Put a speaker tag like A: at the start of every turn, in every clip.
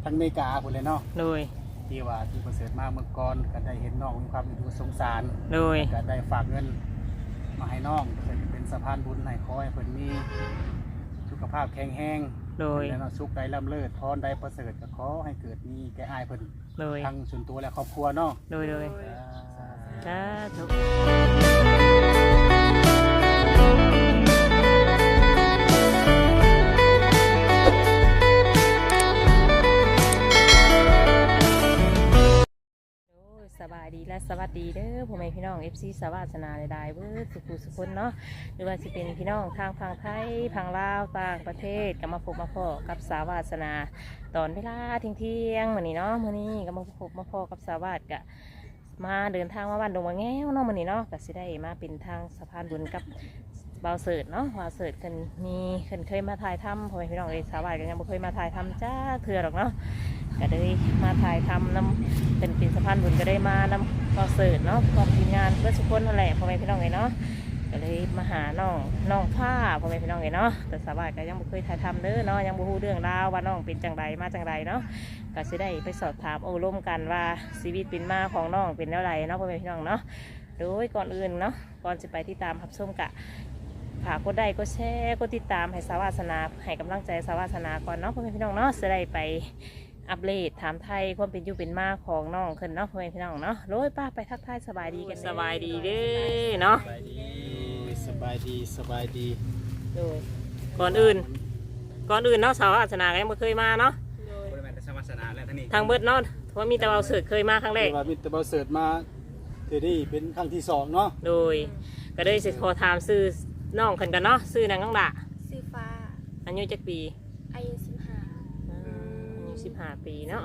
A: ทั้งอเมริกาพุ่นเลยเนาะ
B: โดย
A: ที่ว่าที่ประเสริฐมาเมื่อก่อนก็ได้เห็นน้องมีความดูสงสาร
B: โดย
A: ก็ได้ฝากเงินมาให้น้องเพื่อเป็นสะพานบุญให้ขอให้เพิ่นมีสุขภาพแข็งแรง
B: โดย
A: และสุขใดล่ำเลิศพรใดประเสริฐก็ขอให้เกิดมีแก่อ้ายเพิ่น
B: โดย
A: ทั้งส่วนตัวและครอบครัวเนาะ
B: โดยสาธุสบายดีและสวัสดีเด้อพ่อแม่พี่น้อง FC สวาสนาได้เบิดสุขคนเนาะหรือว่าสิเป็นพี่น้องทางฝั่งไทยฝั่งลาวต่างประเทศก็มาพบมาพ้อกับสาวาสนาตอนเวลาเที่ยงมื้อนี้เนาะมื้อนี้ก็มาพบมาพ้อกับสาวาสกะมาเดินทางมาบ้านดงมะแง้วเนาะมื้อนี้เนาะก็สิได้มาเป็นทางสะพานบุญกับบ่าวเสิร์ชเนาะบ่าวเสิร์ชเพิ่นเคยมาถ่ายทำพ่อแม่พี่น้องสาวาสก็ยังบ่เคยมาถ่ายทำจ้าเทื่อหรอกเนาะก็เลยมาถ่ายทำนำเป็นสะพานบุญก็ได้มานำคอนเสิร์ตเนาะพร้อมทีมงานเพื่อทุกคนนั่นแหละพ่อแม่พี่น้องเลยเนาะก็เลยมาหาน้องผ้าพ่อแม่พี่น้องเลยเนาะแต่สาวบ้านก็ยังไม่เคยถ่ายทำเด้อเนาะยังบ่ฮู้เรื่องราวว่าน้องเป็นจังใดมาจังใดเนาะก็จะได้ไปสอบถามโอ้ร่วมกันว่าชีวิตเป็นมาของน้องเป็นแล้วไรเนาะพ่อแม่พี่น้องเนาะโดยก่อนอื่นเนาะก่อนจะไปที่ตามรับชมกะฝากกดไลค์กดแชร์กดติดตามให้สาวาสนาให้กำลังใจสาวาสนาก่อนเนาะพ่อแม่พี่น้องเนาะจะได้ไปอัปเดตถามไทยความเป็นอยู่เป็นมาของน้องขึ้นเนาะพ่อแม่พี่น้องเนาะโดยป้าไปทักทายสบายดีกันสบายดีเด้อเนาะ
A: สบายดี
B: โดยก่อนอื่นเนาะสาวอาสนาก็ยังไม่เคยมาเนาะ
A: บริเวณสาวาสนาและ
B: ทางเบิดเนาะเพราะมีแต่เราเสิร์ชเคยมาครั้งแรก
A: มีแต่เราเสิร์ชมาเดี๋ยวนี้เป็นครั้งที่2เนาะ
B: โดยก็ได้สิขอถามซื้อน้องขึ้นกันเนาะซื้อนางน้องดา
C: ซื้อฟ้า
B: อายุจักปี
C: อายุ
B: 15 ปีเนาะ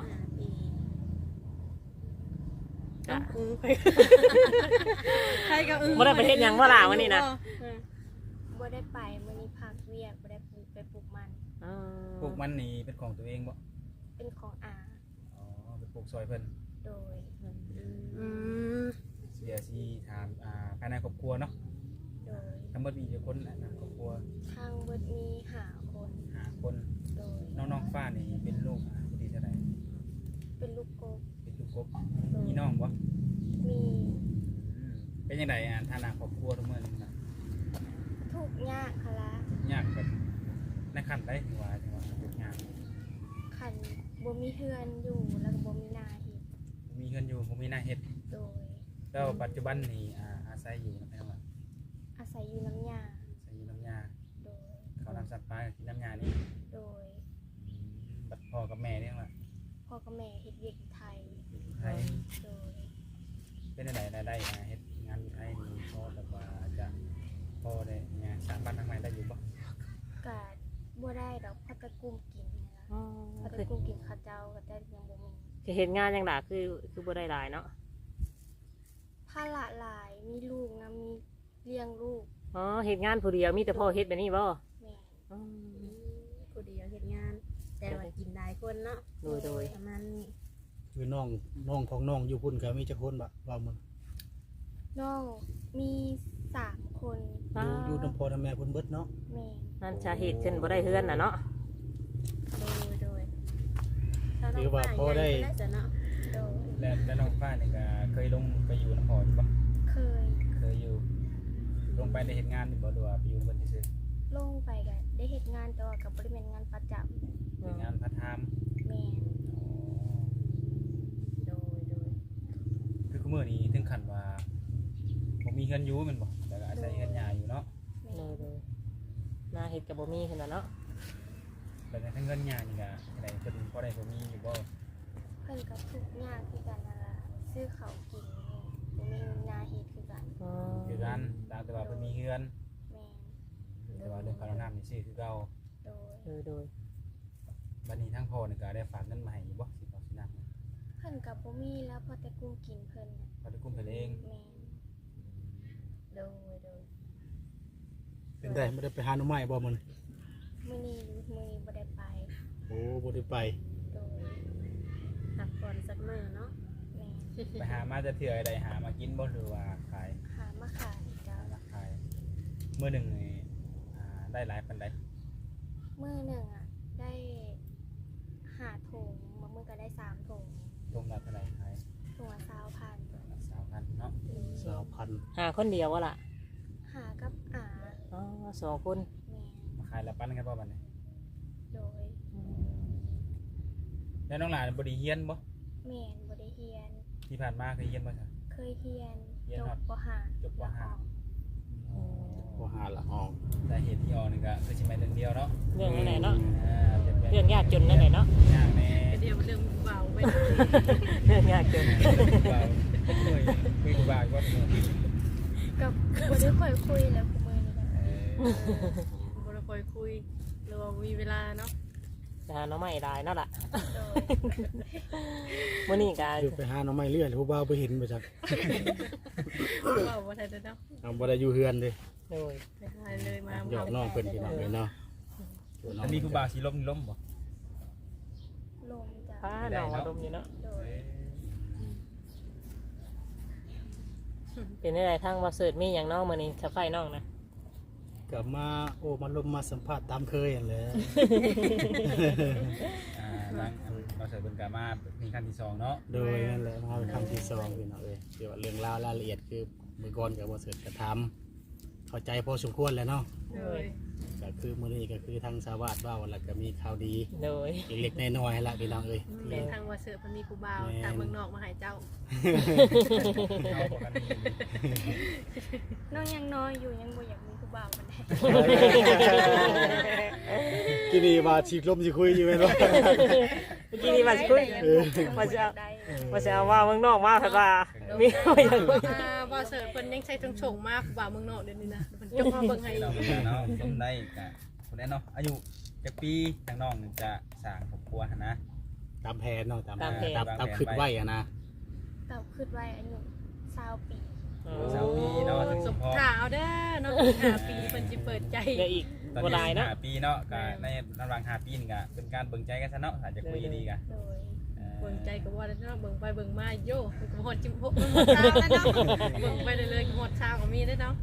C: ใครก็
B: บ่ได้ประเทศยังว่าล่ะวันนี้นะ
C: บ่ได้ไปวันนี้พักเวียกบ่ได้ไปปลูกมัน
A: ปลูกมันนี่เป็นของตัวเองบ่
C: เป็นของอา
A: อ๋อเป็นปลูกซอยเพิ่น
C: โดย
A: เสียสิถามภายในครอบครัวเนาะ
C: โดย
A: ทั้งหมดมีกี่คนนะครอบครัว
C: ทางเบิดมี5 คนโดย
A: น้องฟ้านี่เป็นลูกผู้ที่เท่าไหร่
C: เป็นลูกกบ
A: มีน้องบ่
C: มี
A: เป็นยังไงฐานะครอบครัวทุกมื้อนี้นะ
C: ทุกยากค่ะล่ะ
A: ยากแบบในขั้นใดที่ว่าทุกยาก
C: คันบ่มีเฮือนอยู่แล้วก็บ่มีนาเฮ็ด
A: มีเฮือนอยู่บ่มีนาเฮ็ด
C: โดย
A: แล้วปัจจุบันนี่อาศัยอยู่นะพี่น้อง
C: อาศัยอยู่น้ำยาโดย
A: เขานำสัตว์ป่ากินน้ำยานี่
C: โดย
A: บัดพ่อกับแม่เนี่ยว่า
C: พ่อกับแม่เฮ็ดเวียกอยู่ไทยโดย
A: เป็นอะไรได้เฮ็ดงานอยู่ไทยนี่พอแบบว่าจะพอได้งานสร้างบ้านทางใหม่ได้อยู่บ่
C: ก็บ่ได้ดอกพักตะกุ้มกินนะพักตะกุ้มกินข้าวเจ้าก็ได้ยังบ่มี
B: เฮ็ดงานยังล่ะคือบ่ได้หลายเนาะ
C: ภาระหลายมีลูกนะมีเลี้ยงลูก
B: อ๋อเฮ็ดงานผู้เดียวมีแต่พ่อเฮ็ดแบบนี้บ่
C: แม่
D: ผู้เดียวเฮ็ดงานแต่ว่ากินหลายคนเนาะ
B: โดย
D: ประมาณนี้
A: คือน้องของน้องอยู่พุ่นก็มีจักคนบ่ว่ามัน
C: น้องมี3 คน
A: อยู่นำพ่อแม่พุ่นเบิดเนาะ
C: แม่
B: นั่นสาเหตุขึ้นบ่ได้เฮือนน่ะเนาะ
D: โดย
A: ถือว่าพอได้แล้วน้องฟ้านี่ก็เคยลงไปอยู่นำพ่ออยู่บ่เคยอยู่ลงไปได้เฮ็ดงานบ่หรือว่าไปอยู่เพิ่นซื่อ
C: ลงไปก็ได้เฮ็ดงานแต่ว่าก็บ่ได้เป็นงานประจำ
A: เป็นงานพาร์ทไทม์
C: แม่
D: โดย
A: คือมื้อนี้ถึงขั้นว่าบ่มีเฮือนอยู่แม่นบ่แต่ก็อาศัยเฮือนหญ้าอยู่เนาะ
B: โดยนาเฮ็ดก็บ่มีขนาดเนาะ
A: แล้วทั้งเฮือนหญ้านี่ก็ได้เพิ่นพอได้บ่มีอยู่บ่
C: เพิ่นก็ทุกข์ยากคือกันนั่นล่ะซื้อข้าวกินบ่มีนาเฮ็ดคือกัน
A: คือกันแต่ว่าเพิ่นมีเฮือนแต่ว่าเรื่องค่าน้ำนี่ซื้อคือเก่า
B: โดย
A: บัดนี้ทั้งพ่อนี่ก็ได้ฝากเงินมาให้อยู่บ่สิเอาสินำ
C: เพิ่นก็บ่มีแล้วพอแต่กุ้มกินเพิ่นน่ะ
A: พอได้กุ้มเพิ่นเอง
C: แม่โดย
A: เป็นได้บ่ได้ไปหาหน่อไม้บ่มื้อนี้
C: บ่ได้ไป
A: โอ้บ่ได้ไป
C: โดย
D: พักผ่อนสักมื้อเนาะ
C: แม่
A: ไปหามาจะเทื่อใดหามากินบ่หรือว่าขาย
C: หามาขายจ้า
A: ขายมื้อนึงนี่ได้หลายปานใด
C: มื้อนึงอ่ะได้5 ถุงมื้อได้3ถุง
A: รวมแล้วเท่าไหร่ขาย
C: ถุงละ20,000
A: 3,000เนาะ
E: 2,000
B: หาคนเดียววะล่ะ
C: หากับอา
B: อ๋อ2 คน
C: แม่
A: มาขายแล้วปั้นกันบ่บัดนี้
C: โดย
A: แล้วน้องหลานบ่ได้เฮียนบ่
C: แม่นบ่ได้เฮียน
A: ที่ผ่านมาเคยเฮียนบ่ซะ
C: เคยเฮียน
A: เฮียน
C: จ
A: ฮอด
C: บป .5
A: จบปห้า
E: บ่หาละออก
A: แต่เหตุที่ออกนี่ก็คือสิแม่นเรื่องเดียวเนาะ
B: เรื่องไหนเนาะ
A: เป็นแบบ
B: เรื่องยากจนนั่นแหละเนาะ
A: ยากแน่
D: เดี๋ยวเรื่องเบาไป
B: เรื่องยากจน
A: บ่าวโอ้ยคุยกับบ่าวก่อน
C: กับบ่ได้ค่อยคุยแล้วคุมื้อนี้ก็
D: บ่ได้ค่อยคุยหรือว่ามีเวลาเนาะ
B: หาน้องใหม่ได้เนาะล่ะ
C: โดย
B: มื้อนี้ก็
E: อยู่ไปหาหน่อไม้เลื่อยผู้บ่าวบ่เห็นบ่จัก
D: เบาบ่ทันเนาะ
E: เอาบ่ได้อยู่เฮือนเด้
B: โดย
D: ไปหาเลยมา
E: หยอกน้องเพิ่นพี่น้องเลยเนาะอยู่น้อง
A: ถ้ามีผู้บ่าวสิล้มนี่ล้มบ่
C: ลมจ้ะ
B: พาน้องมาดมอยู่เนาะ
C: โดย
B: เป็นได้ทางบ่เสิร์ชมีหยังน้องมื้อนี้สะไฟน้องนะ
E: ก็มามาลมมาสัมภาษณ์ตามเคยนั่นแหละ
A: หลังเราเสิร์ฟเป็นกามามีขั้นที่2เนาะ
E: โดยนั่นแหละมาเป็นครั้งที่2พี่น้องเอ้ยเกี่ยวกับเรื่องราวรายละเอียดคือมื้อก่อนก็บ่เสร็จก็ถามเข้าใจพอสมควรแล้วเนาะ
D: เลย
E: ก็คือมื้อนี้ก็คือทางชาวบ้านว่าแล้วก็มีข่าวดี
B: โดย
E: เล็กๆน้อยๆละพี่น้องเอ้ย
D: เป็นทางว่าเสือมันมีกูบ่าวทางเมืองนอกมาหาเจ้า
A: เอาบอกกัน
C: น้องยังน้อยอยู่ยังบ่อยากมีผู้บ่าวมันได้
E: ที่นี่ว่าสิลมสิคุยอยู่แม่นบ่
B: เมื่อกี้นี่ว่าสิคุยว่าจะ
C: ได้
B: ว่าจะเอาว่าเมืองนอกมาเถอะว่ามีอะไรอย่างคุย
D: ว่าเสือเพิ่นยังใช้ทงชงมากกูบ่าวเมืองนอกเดี๋ยวนี้นะเพิ่นจงมาเบิ่งให้
A: เราเป็นเนาะล้มได้ก็คนนั้นเนาะอายุจักปีทางน้องจะสร้างครอบครัวหั่นนะ
E: ตามแผนเนาะตาม
A: ตามแผน
E: ตามคิดไว้อะนะ
C: เต่าขึ้นไว้อายุ20 ปี
A: สาวปีเนาะถึง
D: ส
A: สิ
D: ม
A: พอ
D: ข่าวเด้อเนาะ5 ปีเพิ่นสิเปิดใจ
B: เดี๋ยวอีก
A: ตอน
B: บ่
A: นี้
B: ได้เนาะ
A: 5 ปีเนาะก็ในระหว่าง5 ปีนี่ก็เป็นการเบิ่งใจกันซะเนาะอาจจะคุยดีกัน
C: โดย
D: เบิ่งใจก็ว่าแล้วเนาะเบิ่งไปเบิ่งมาโย่ก็ฮอดจิมพกมันหมดเช้าแล้วเนาะเบิ่งไปเรื่อยๆก็หมดเช้าก็มีได้เนาะ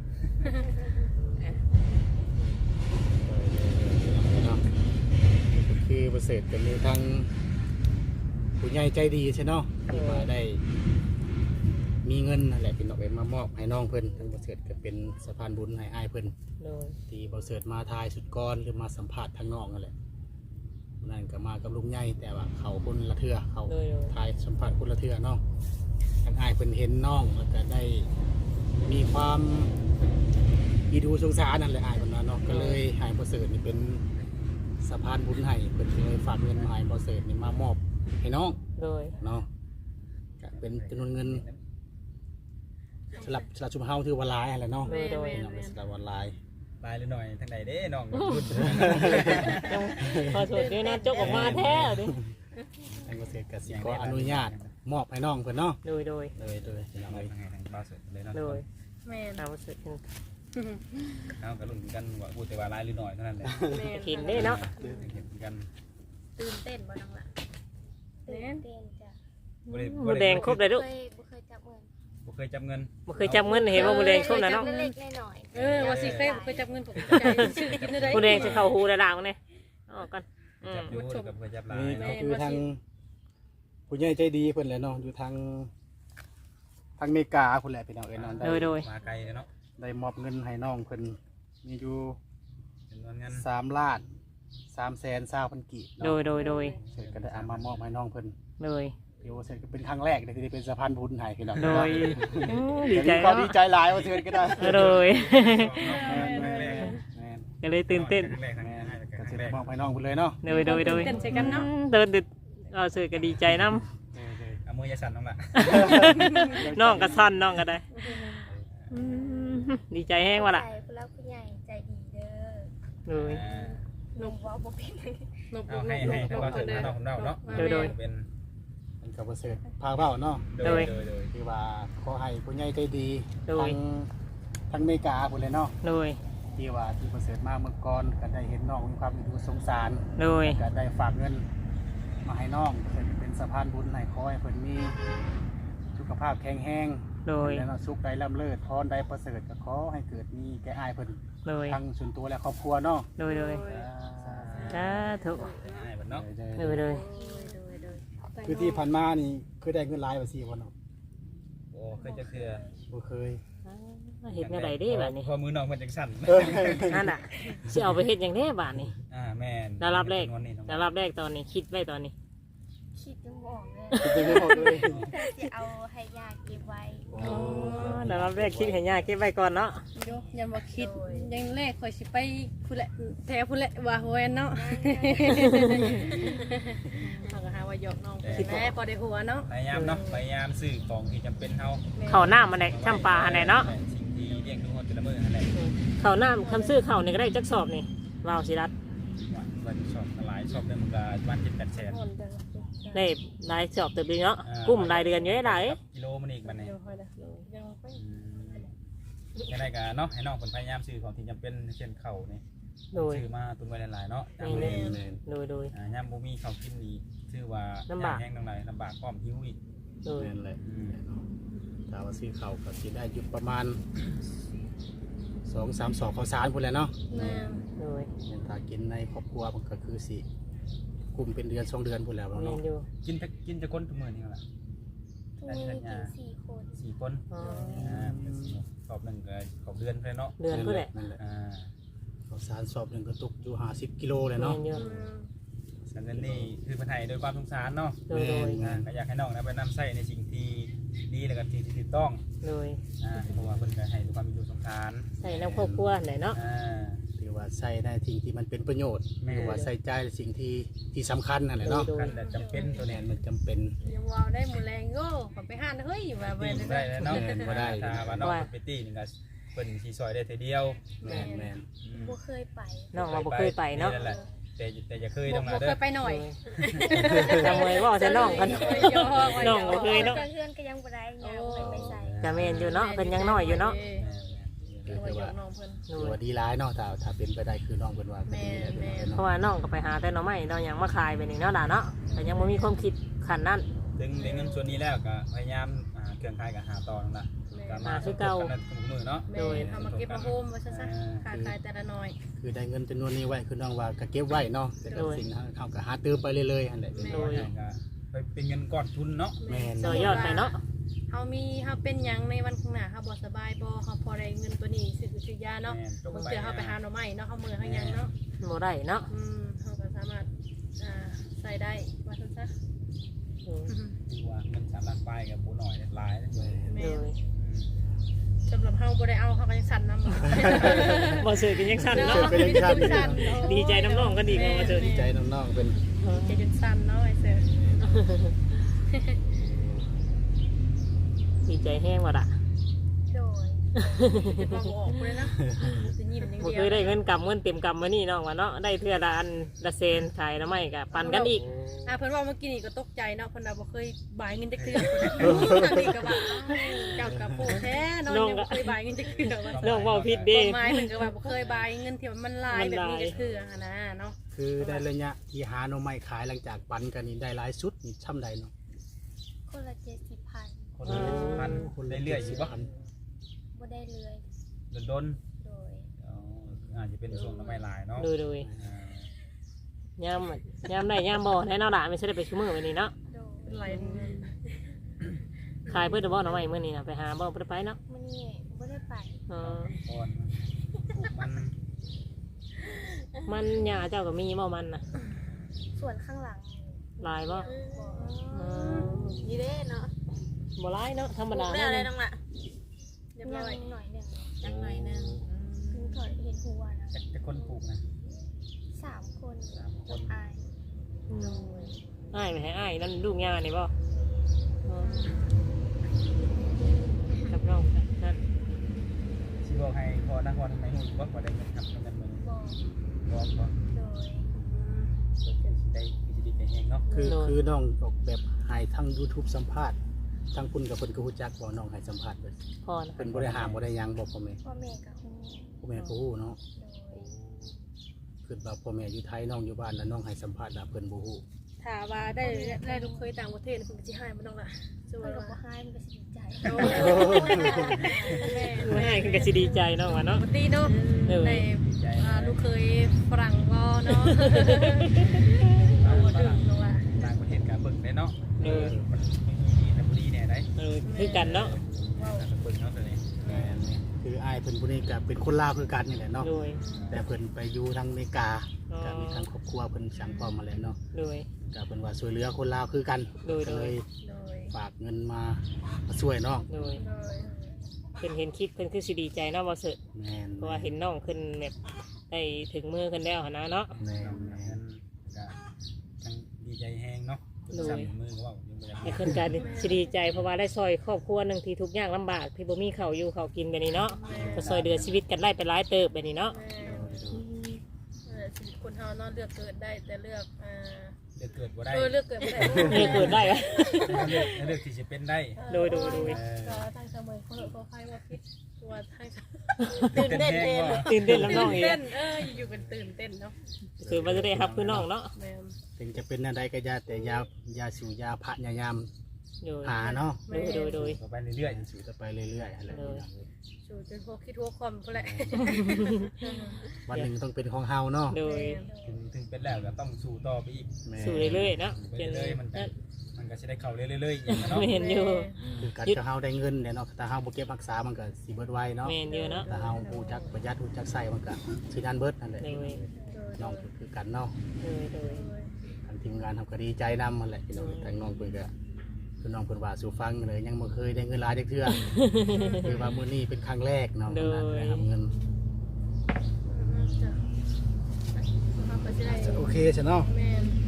E: เนาะคือประเสริฐก็มีทั้งผู้ใหญ่ใจดีใช่เนาะที่มาได้มีเงินนั่นแหละเป็นเอาไปมามอบให้น้องเพิ่นทั้งประเสริฐก็เป็นสะพานบุญให้อ้ายเพิ่น
B: โดย
E: ที่ประเสริฐมาทายสุดก้อนหรือมาสัมผัสทางน้องนั่นแหละวันนั่นก็มากับลุงใหญ่แต่ว่าเขาคนละเทื่อเขา
B: โดย
E: ทายสัมผัสคนละเทื่อเนาะทางอ้ายเพิ่นเห็นน้องแล้วก็ได้มีความอีดูสงสารนั่นแหละอ้ายเพิ่นว่าเนาะก็เลยให้ประเสริฐนี่เป็นสะพานบุญให้เพิ่นก็เลยฝากเงินมาให้ประเสริฐนี่มามอบให้น้อง
B: โดย
E: เนาะก็เป็นจำนวนเงินสลับชุมเฮาถือว่าหลายอะไรเนาะ
B: โดยโดย
E: เนาะเป็นสลับวันหลาย
A: ลายหรือหน่อยทางไหนเด้น้องพูด
B: ยังพอสวดด้วยนะจกออกมาแท้ดิ
E: ทางเกษตรกสิกรอนุญาตมอบให้น้องเพิ่นเนาะ
B: โดย
E: โดยพี่น้อง
A: ทาง
E: เอ้ย
A: ไหนทางบ้านสุดเลยเนาะ
B: โดย
D: แม่น
B: ตามประเสริฐ
A: เอากระลุ่นกันว่าพูดแต่ว่าลายหรือหน่อยเท่านั้นแหละ
D: แม่น
B: เห็นได้เนาะ
A: เห็นกัน
C: ตื่นเต้นบ่น้องล่ะตื่นเต้นจ้ะ
B: หมูแดงครบเลยลูก
C: บ่เคยจับเงิน
A: บ่เคยจับเงิน
B: บ่เคยจับเงินเห็นว่าหมูแดงครบนะเนาะ
C: เล็กๆน้อยๆ
D: ว่าสิเคยบ่เคยจับเงินผมใจชื่อกินได้
B: หมูแดงจะเข้าหูระดับเนี่ยออกกันอืม
A: จับอยู่กับเคยจับลาย
E: นี่
A: เนาะ
E: ก็คือทางผู้ใหญ่ใจดีเพิ่นแหละเนาะอยู่ทางอเมริกาพุ่นแหละพี่น้องเอ้ยเนาะ
B: โดยโดย
A: มาไกลเลยเนาะ
E: ได้มอบเงินให้น้องเพิ่นมีอยู่
A: จำนวนเงิน
E: 3 ล้าน320,000 กีบ
B: โด
E: เนาะ
B: ยโดยโดย
E: เสร็จก็ได้เอามามอบให้น้องเพิ่น
B: โดย
E: เดี๋ยวเสร็จก็เป็นครั้งแรกเลยที่ได้เป็นสะพานบุญให้พี่น้อง
B: โดยดีใจ
E: ก็
B: เนาะ
E: ดีใจหลายว่าเชิญก็ได้
B: โดย
A: แรก
E: แม่น
B: ก็เลยตื่นเต้น
A: แรกทาง
E: แม่น
A: ง่าย
E: ก็
A: ทาง
E: สิ
A: แร
E: ได้
A: ก
E: มอบให้น้องเพิ่นเลยเนาะ
B: โดยโดยโดย
D: เต้นใส่กันเนาะ
B: เดินดึกเอาเสือก็ดีใจน้
A: เอามือยาสั่นน้องล่ะ
B: ำน้องก็สั้นน้องก็ได้ดีใจแห้งว่ะล่ะ
C: ใจผู้รักผู้ใหญ่ใจดีเด้อ
B: โดย
C: ลงว่าบ่เป็น
D: นบ
A: เอาให้ทางบ้านสุดน้องของเราเนาะ เป็น
E: มันก็บ่เสร็จพาเว้าเนาะ
A: โดย
E: คือว่าขอให้ผู้ใหญ่ใจดี
B: โดย
E: ทั้งอเมริกาพุ่นเลยเนาะ
B: โดย
E: ที่ว่าที่ประเสริฐมาเมื่อก่อนก็ได้เห็นน้องมีความดูสงสาร
B: โดย
E: ก็ได้ฝากเงินมาให้น้องเพิ่นเป็นสะพานบุญให้ขอให้เพิ่นมีสุขภาพแข็งแรง
B: โดย
E: แล้วสุขใดร่ำเลิศพรใดประเสริฐก็ขอให้เกิดมีแก่อ้ายเพิ่น
B: โดย
E: ทั้งส่วนตัวและครอบครัวเนาะ
B: โดยโดยสาธุ
A: ให้บัดเนาะ
B: โดยโดย
E: คือคือที่ผ่านมานี่เคยได้เงินหลายบ่ซี่บ่เนาะ
A: โอ้เคยจะคือ
E: บ่เคย
B: เฮ็ดแนวใดเด้บัดนี้
A: พอมือน้องมันจังสั่น
B: นั่นน่ะสิเอาไปเฮ็ดหยังแน่บัดนี้
A: แม่น
B: ได้รับแรก
A: วันนี้น้อง
B: ได้รับแรกตอนนี้คิดไว้ตอนนี้
C: คิดยังบ่ออกเลย
E: คิดยังบ่ออกเลย
C: จะเอาให้ยาเก็บไว้
B: อ๋อได้รับแรกคิดให้ยากเก็บไว้ก่อนเนาะ
D: โยยังบ่คิดยังแรกข่อยสิไปพุ่นแหละแถวพุ่นแหละว่าโหแนเนาะเฮาก็หาว่าหยอกน้องแม่พอได้หัวเนาะ
A: พยายามเนาะพยายามซื้อของที่จำเป็นเฮา
B: ข้าวหน้ามันได้ช่ำปลาอันไหนเนาะ
A: สิ่งที่เลี้ยงดูเฮาแต่ละมื้ออันไหน
B: ข้าวหน้าคำซื้อข้าวนี่ก็ได้จักสอบนี่ว้าวสิรัต
A: วันชอบหลายชอบเดือนมันก็วัน7-8แสน
B: ได้รายสอบเติบดีเนาะกุ้มรายเดือนอยู่ได้หลาย
A: กิโลมันอีกบัดนี้
D: เดี๋ยวค่อยละยังไป
A: ยังไงกันเนาะให้น้องคนพยายามซื้อของที่จำเป็นเช่นข้าวนี่
B: โดย
A: ซื้อมาตุนไว้หลายๆเนาะ
B: นี่
E: แม่น
B: โดย
A: ยามบ่มีข้าวกินนี่ชื่อว่า
B: ลำบาก
A: แห้งทั้งหลายลำบากพร้อมหิวอีก
B: โดย
E: แม่นแหละถ้าว่าซื้อข้าวก็สิได้อยู่ประมาณ2-3 ศอกข้าวสารพุ่นแหละเนาะ
D: แม่
B: โดย
E: ถ้ากินในครอบครัวมันก็คือสิกุมเป็นเดือน2 เดือนพุ่นแล้ว
B: แม่
E: เนาะ
B: นอยู่
A: กินจะคนทุกมื้อนี่ล่ะ
C: ทุกมื้อกิน4 คน
A: 4 คน
B: อ๋อ
A: สอบหนึ่งก็ขอบเดือนเลยเนาะ
B: เดือนพุ่นแหละ
E: นั่นแหละ
A: อ่า
E: ข้าวสารสอบหนึงก็ตกอยู่50 กิโลเลย
B: แม่
E: เนาะ
B: นอยู่
A: ฉะนั้นนี่คือปัญหาโดยความสงสารเนาะ
B: โดย
A: ก็อยากให้น้องนะไปนำใส่ในสิ่งที่ดีแล้วก็ที่ถูกต้อง
B: โดย
A: เพราะว่าเพิ่นก็ให้ด้วยความมีอยู่สงสาร
B: ใส่น้ำครอบครัวไหนเนาะ
E: ถือว่าใส่ในสิ่งที่มันเป็นประโยชน์
A: แม่
E: หรือว่าใส่ใจในสิ่งที่สำคัญนั่นแหละเนาะ
A: กันแต่จำเป็นตัว
E: แม่
A: นี้
E: นมันจำเป็น
D: ยังว้าวได้หมูแรงโง่ขอไปห้านเฮ้ยว่าไป
A: ตีได้แล้วเนาะ
E: แม่นบ่ได้
A: ถ้าว่าน้องไปตีนี่ก็เพิ่นสิซอยได้เทเดียว
E: แม่นแม่น
C: บ่เคยไป
B: น้องเราบ่เคยไปเนาะ
A: แต่อย่าเคยต้อง
D: บ่
A: มา
D: เค
A: เด้อย
D: ไปหน่อย
B: จำไว้ว่าจะน้องกัน น้องบ่เคยเนาะ
C: เพื่อนก็ยังบ่ได้ยังไปใส่
B: จะแม่นอยู่เนาะเป็นยังน้อยอยู่เนาะ
E: คือ
D: ถือ
E: ว่า
D: ว่าน้องเพิ่น
E: ถือว่าดีร้ายเนาะถ้าเป็นไปได้คือน้องเพิ่นว่าก็ดีแหละ
D: แม่น
B: เพราะว่าน้องก็ไปหาแต่หน่อไม้น้องยังมาขายไปนี่เนาะด่าเนาะแต่ยังไม่มีความคิดขันนั้น
A: ดึงเงินส่วนนี้แล้วก็พยายามเครื่องคายกับหาต่อนั่นล่ะก็มาทุกมือเนาะ
D: แม่ทำมาเก็บมาโฮมไว้ซะขาดขายแต่ละน้อย
E: คือได้เงินจำนวนนี้ไว้คือน้องว่าก็เก็บไว้เนาะแต่ก็สิ่งเฮาก็หาเติมไปเรื่อยๆอันแหละ
A: โดยไปเป็นเงินก้อนทุนเนาะ
E: แม่น
B: ต่อยอดไปเนาะ
D: เฮาเป็นหยังในวันข้างหน้าเฮาบ่สบายบ่เฮาพอได้เงินตัวนี้ซื้อยาเนาะบางเทื่อเฮาไปหาหน่อไม้เนาะเฮามื้อเฮายังเนาะ
B: โมได้เนาะ
D: เฮาก็สามารถใส่ได้ว่าซั่นซะ
A: คือว่าเงิน3 ล้านป้ายกับผู้หน่อยหลาย
D: แม่
B: เลย
D: สำหรับเฮาบ่ได้เอาเฮาก็ยังสั่นนำ
B: บ่ซื้อกันยังสั่น
D: เนาะ
B: เนาะ
D: สั่น
B: ดีใจน้ำน้องก็ดีกว่าบ่ซื้อ
E: ดีใจน้องๆเป็น
D: ใจจนสั่นเนาะไอ้เสือ
B: ดีใจแห้งว่ะด่ะ
C: โดย
D: จะมาบอกกูเลยนะจะยิ้มอย่าง
B: บ่
D: เดียว
B: เคยได้เงินกำเงินเต็มกำมานี่น้องว่าเนาะได้เทื่อละอันละเซนขายละไม่กับปั่นกันอีก
D: เพิ่นว่าเมื่อกี้นี่ก็ตกใจเนาะเพิ่นว่าบ่เคยบายเงินจักเทื่อนี่ก็ว่าเจ้ากับผู้แท้น้องยังบ่เคยบายเงินจักเทื่อว่า
B: น้องเว้าผิดเด้
D: หมายถึงก็ว่าบ่เคยบายเงินที่มันหลายแบบนี้จักเทื่อหั่นนะเนาะ
E: คือได้ระยะที่หาหน่อไม้ขายหลังจากปันกันนี่ได้หลายสุดนี่ช่ำใดเนาะ
C: คนละ70,000
A: คนละ1,000คนเรื่อยๆอยู่บ่
C: บ่ได้เลย
A: โดน
C: โดย
A: อาจจะเป็นช่วงน้ำไม่ลายเนาะ
B: โดยยามได้ยามบ่แน่เนาะด่ะไม่ใช่ได้ไปชั่วโมงวันนี้เนาะ
C: โดย
D: เป็นไร
B: ขายเพื่อจะบ่หน่อไม้มื้อนี้น่ะไปหาบ่ไปเนาะ
C: มื้อนี้บ่ได้ไป
B: อ๋อ
A: ก่อนปลูกมัน
B: มันหญ้าเจ้าก็มีบ่มันน่ะ
C: ส่วนข้างหลัง
B: หลายบ่
C: บ่
B: อ๋อ
D: นี่เด้เนาะ
B: บ่หลายเนาะธรรมดา
D: ได้อะไร
B: เนาะ
D: น้องล่ะเรียบ
C: ยั
D: ร้
C: ง
D: อย
C: หน่อยหนึง
D: ยังหน่อยนึง
C: เพิ่งถอยเห็นหัวนะ
A: จะคนปลูกนะ
C: 3 คน
A: 3 คน
C: อาย
B: อ้ายไปให้อ้ายนั่นลูกหญ้านี่บ่อ๋อกับน้องนั่น
A: ชิบอกให้พอนะพอทำไมหุ่นบ่ได้เงินครับเงินมือ
C: บ่
A: บอกก่อน
C: โดย
A: ได้พิจิตรแห่งเนาะ
E: คือน้องออกแบบให้ทั้ง YouTube สัมภาษณ์ทั้งคุณกับเพิ่นก็ฮู้จักบ่น้องให้สัมภาษณ์เพิ่น
B: พอนะ
E: เพิ่นบ่ได้ห้ามบ่ได้หยังบอกพ่อแม่
C: พ่อแม่กับฮู้
E: พ่อแม่ก็ฮู้เนาะ
C: โดย
E: คือว่าพ่อแม่อยู่ไทยน้องอยู่บ้านแล้วน้องให้สัมภาษณ์แล้วเพิ่นบ่ฮู้
D: ถ้าว่าได้ลูกเคยต่างประเทศเพิ่นก็สิให้บ่น้องล่ะสว
C: เพิ่
D: ย
C: นก็
D: ว่า
C: บ่ให้มันก็สิดีใจ
D: โอ้แม่
B: ไม่ให้คือก็สิดีใจเนาะว่าเนาะ
D: ปกติเนาะ
B: เออ
D: ในลูกเคยฝรั่งก็เนาะเอาบ่ถึงเนาะว่า
A: ต่างประเทศกับเบิ่งได้เนาะ
B: โโดย
A: มันมีในบุรีเนี่ยได้
B: คือกันเนาะ
A: เบิ่งเนาะตัวนี้
E: แม่นนี่คืออ้ายเพิ่นผู้นี้ก็เป็นคนลาวคือกันนี่แหละเนาะ
B: โดย
E: แต่เพิ่นไปอยู่ทางอเมริกา
B: อ๋อ
E: ก็มีทางครอบครัวเพิ่นสั่งพร้อมมาแล้วเนาะ
B: โดย
E: ก็เพิ่นว่าช่วยเหลือคนลาวคือกัน
B: โดย
E: ก็เลย
C: โดย
E: ฝากเงินมาช่วยน้อง
B: โดย
C: โดย
B: เพิ่นเห็นคลิปเพิ่นคือสิดีใจเนาะบ่เสิร์ช
E: แม่น
B: เพราะว่าเห็นน้องขึ้นแบบได้ถึงมือกันแล้วหั่นนะเนาะ
E: แม่น
A: น้อง
E: แม่
A: นั้น นก็จังดีใจแฮงเนาะสั่นมือก็ว่ายังบ่อยาก
B: ไอ้เพิ่นก็สิดีใจเพราะว่าได้ซอยครอบครัวหนึงที่ทุกข์ยากลำบากที่บ่มีข้าวอยู่ข้าวกินแบบนี้เนาะก็ซอยเดือชีวิตกันได้ไปหลายเติบแบบนี้เนาะ
D: แม่ชีวิตคนเฮาเนาะเลือกเกิดได้แต่เลือก
A: เกิดบ่ได้
D: เลือกเกิดไม่ได้
B: นี่เกิดได้อะ
A: เลือกที่จะเป็นได้
B: โดย
D: ก็ทางเสมอเขาเหอะเขาใครว่าคิดตัวทางตื่นเต้นเต้น
B: ตื่นเต้นลำน้องอีก
D: เต้นอยู่เป็นตื่นเต้นเนาะ
B: คือมันจะได้รับคือน้องเนาะ
D: แม่
E: ถึงจะเป็นอะไรก็อยาแต่ยาสูบยาพะยายาม
B: โดย
E: หาเนาะ
B: โดย
A: ต่อไปเรื่อยๆ
E: สูบต่อไปเรื่อยๆอะไรอย่างเงี้ย
D: สู่จนพวกคิดทั่วความก็แหละ
E: วันหนึ่งต้องเป็นของเฮาเนาะ
B: โดย
A: ถึงเป็นแล้วก็ต้องสู้ต่อไปอีก
E: แม่
B: สู่เรื่อยๆเนาะ
A: ไปเรื่อยๆมันก็จะได้เข้าเรื่อยๆอย่างนั้นเนาะ
B: ไม่เห็นอยู่
E: คือการจะเฮาได้เงินเนี่ยเนาะถ้าเฮาบ่เก็บรักษามันก็สิเบิดไวเนาะ
B: แม่นอยู่เนาะ
E: ถ้าเฮาฮู้จักประหยัดฮู้จักใส่มันก็สินันเบิดนั่นแหละ
B: โดย
E: น้องคือกันเนาะ
B: โดย
E: ทางทีมงานทำก็ดีใจนำมันแหละพี่น้องทางน้องเพิ่นก็คือน้องเพิ่นว่าสู่ฟังเลยยังบ่เคยได้เงินหลายจักเทื่อ คือว่ามื้อนี้เป็นครั้งแรกเนาะนั้นได้รับเงินโอเคใช่เนาะ
D: แม่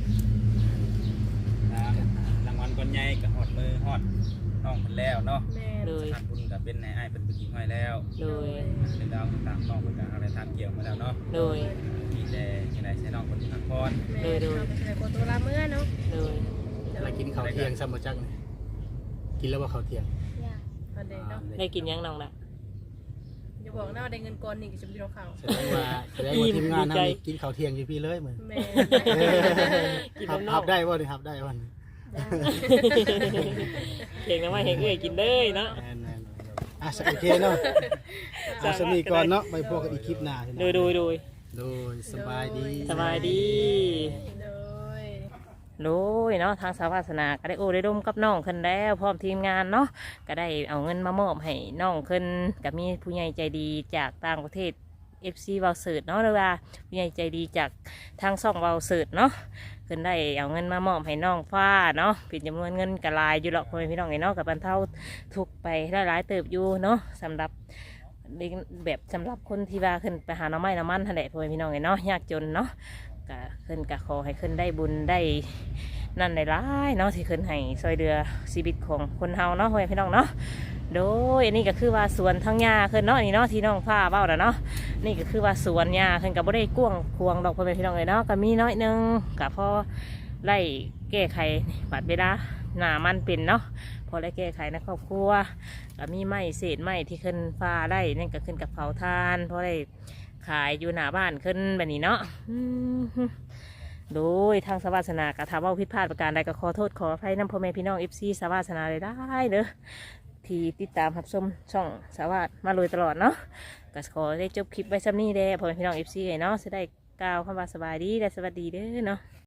A: รางวัลก้อนใหญ่ก็ฮอดมือฮอดน้องเพิ่นแล้วเนาะ
D: แม่
B: โดย
A: สถานบุญก็เป็นในอ้ายเป็นผู้หญิงไว้แล้ว
B: โดย
A: เรื่องราวต่างๆน้องเพิ่นก็อะไรทางเกี่ยวมาแล้วเนาะ
B: โดย
A: มีแต่ยังไงใช้น้องคนพักผ่อน
D: แม่เราไปใช้โคตัวละเมื่อเนาะ
B: โดย
E: แล้วกินข้าวเที่ยงซ้ำบ่จักนี่กินแล้วบ่ข้าวเที่ยง
C: อยาก
D: อันเดเนาะ
B: ได้กินยังน้องละ
D: อย่าบอกนะว่าได้เงินก้อนนี่ก็จะไปดูข่าว
E: แสดงว่าทีมงานนำกินข้าวเที่ยงอยู่พี่เลยมื้อ
D: แม่
B: กิน
E: ครับ
B: น้ำน
E: ค
B: อ
E: รั
B: ก
E: บได้บ่นี่ครับได้บ่นี่
B: เก่งนะว่าเห็นเอ้ยกินเลยเนาะ
E: แม่นๆอ่ะโอเคเนาะเอาสมีก่อนเนาะไปพบกันอีกคลิปหน้า
B: โดย
E: โดยสบายดี
B: สบายดี
D: โดย
B: โดยเนาะทางสาวาสนาก็ได้โอ้ได้ร่มกับน้องขึ้นแล้วพร้อมทีมงานเนาะก็ได้เอาเงินมามอบให้น้องขึ้นกับมีผู้ใหญ่ใจดีจากต่างประเทศ FC เวาเสิร์ตเนาะหรือว่าผู้ใหญ่ใจดีจากทางช่องเวาเสิร์ตเนาะขึ้นได้เอาเงินมามอบให้น้องฟ้าเนาะเป็นจำนวนเงินกระลายอยู่หรอกพ่อแม่พี่น้องเนาะกับบรรเทาทุกข์ไปได้หลายเติบอยู่เนาะสำหรับแบบสำหรับคนที่ว่าขึ้นไปหาหน้ำไม้น้ำมันทะเลพ่อแม่พี่น้องเนาะยากจนเนาะก็ขึ้นก็ขอให้ขึ้นได้บุญได้นั่นได้ร้ายเนาะที่ขึ้นให้ซอยเดือชีวิตของคนเฮาเนาะพ่อแม่พี่น้องเนาะโดยอันนี้ก็คือว่าสวนทั้งหญ้าขึ้นเนาะนี่เนาะที่น้องฟ้าเบ้าแล้วเนาะนี่ก็คือว่าสวนหญ้าขึ้นกับบ่ได้กว้างควงดอกพ่อแม่พี่น้องเลยเนาะก็มีน้อยหนึงก็พอไล่แก้ไขบัดเวลาหน้ามันเป็นเนาะพอได้แก้ไขในครอบครัวก็มีไม้เศษไม้ที่ขึ้นฟ้าได้นั่นก็ขึ้นกับเผาทานพอได้ขายอยู่หน้าบ้านขึ้นแบบนี้เนาะโดยทางสวาสนากระทำว่าผิดพลาดประการใดก็ขอโทษขออภัยน้ำพ่อแม่พี่น้องFCสวาสนาเลยได้เด้อที่ติดตามรับชมช่องสวาสมาเลยตลอดเนาะก็ขอได้จบคลิปไว้ซ้ำนี้เด้อพ่อแม่พี่น้องFCเนาะจะได้กล่าวคำว่าสบายดีและสวัสดีเด้อเนาะ